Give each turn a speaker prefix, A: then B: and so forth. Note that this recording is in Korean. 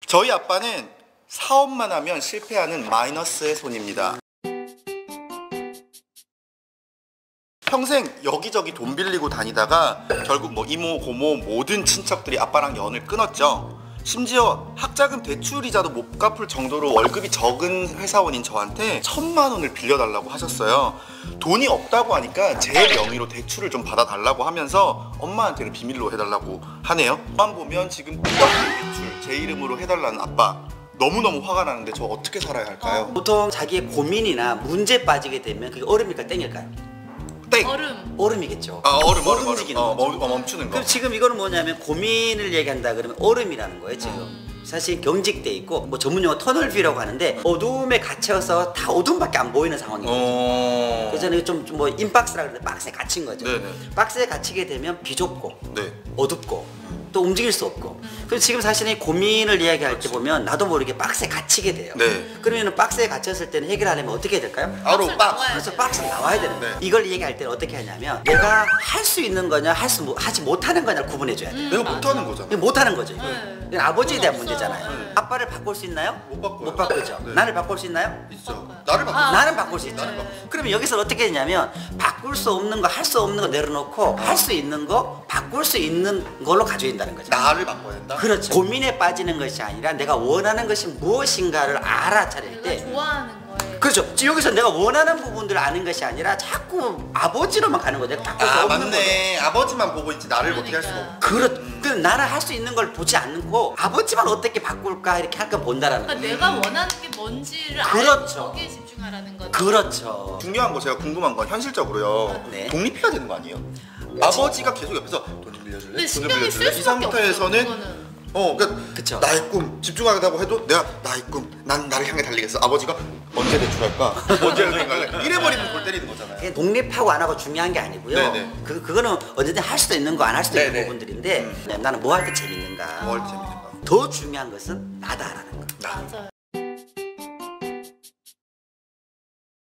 A: 저희 아빠는 사업만 하면 실패하는 마이너스의 손입니다. 평생 여기저기 돈 빌리고 다니다가 결국 뭐 이모, 고모 모든 친척들이 아빠랑 연을 끊었죠. 심지어 학자금 대출이자도 못 갚을 정도로 월급이 적은 회사원인 저한테 1,000만 원을 빌려달라고 하셨어요. 돈이 없다고 하니까 제 명의로 대출을 좀 받아달라고 하면서 엄마한테는 비밀로 해달라고 하네요. 만 보면 지금 대출 제 이름으로 해달라는 아빠, 너무너무 화가 나는데 저 어떻게 살아야 할까요?
B: 보통 자기의 고민이나 문제 빠지게 되면 그게 얼음일까 땡일까요?
A: 땡!
B: 얼음이겠죠.
A: 얼음
B: 움직이는 거죠.
A: 멈추는 거.
B: 그럼 지금 이거는 뭐냐면 고민을 얘기한다 그러면 얼음이라는 거예요 지금. 사실 경직돼 있고 뭐 전문용어 터널뷰라고 하는데 어두움에 갇혀서 다 어둠밖에 안 보이는 상황인 거죠. 그래서 좀 뭐 인박스라 그러는데 박스에 갇힌 거죠.
A: 네네.
B: 박스에 갇히게 되면 비좁고
A: 네.
B: 어둡고 또 움직일 수 없고. 그래서 지금 사실은 고민을 이야기할 때 보면 나도 모르게 박스에 갇히게 돼요.
A: 네.
B: 그러면 박스에 갇혔을 때는 해결하려면 어떻게 해야 될까요?
A: 바로 박스.
B: 그래서 박스 나와야 되는 거예요.
A: 네.
B: 이걸 얘기할 때는 어떻게 하냐면 내가 할 수 있는 거냐 하지 못하는 거냐를 구분해줘야 돼요.
A: 내가 못하는 거잖아.
B: 이거 못하는 거죠. 이거. 이건 아버지에 대한
C: 없어요.
B: 문제잖아요. 아빠를 바꿀 수 있나요?
A: 못 바꿔요.
B: 못 바꾸죠.
A: 네.
B: 나를 바꿀 수 있나요?
A: 있죠. 나를 바꿔.
B: 나는 바꿀 수 있죠. 그러면 여기서 어떻게 되냐면 바꿀 수 없는 거, 할 수 없는 거 내려놓고 할 수 있는 거, 바꿀 수 있는 걸로 가져야 된다는 거죠.
A: 나를 바꿔야 된다?
B: 그렇죠. 고민에 빠지는 것이 아니라 내가 원하는 것이 무엇인가를 알아차릴 때.
C: 내가 좋아하는 거에.
B: 그렇죠. 지금 여기서 내가 원하는 부분들을 아는 것이 아니라 자꾸 아버지로만 가는 거죠. 바꿀 수 없는
A: 맞네. 아버지만 보고 있지 나를 어떻게 할 수가 없고.
B: 그 나는 할 수 있는 걸 보지 않고 아버지만 어떻게 바꿀까 이렇게 할까 본다라는
C: 그러니까
B: 거예요.
C: 내가 원하는 게 뭔지를
B: 그렇죠.
C: 알고 거기에 집중하라는 거죠.
B: 그렇죠.
A: 중요한 거 제가 궁금한 건 현실적으로요.
B: 네.
A: 독립해야 되는 거 아니에요? 아버지가 계속 옆에서 돈 좀 빌려줄래?
C: 근데
A: 돈 좀
C: 신경이
A: 빌려줄래?
C: 쓸
A: 이
C: 수밖에
A: 상태에서는
C: 없어요,
A: 그러니까
B: 그쵸.
A: 나의 꿈 집중하다고 해도 내가 나의 꿈, 난 나를 향해 달리겠어. 아버지가 언제 대출할까? 언제 여행갈래? 이래버리면 골 때리는 거잖아요.
B: 그게 독립하고 안 하고 중요한 게 아니고요.
A: 네네.
B: 그거는 언제든 할 수도 있는 거 안 할 수도 있는
A: 네네.
B: 부분들인데 나는 뭐 할 때 재밌는가.
A: 뭘 재밌는가?
B: 더 중요한 것은 나다라는 거.
A: 나.
C: 맞아요.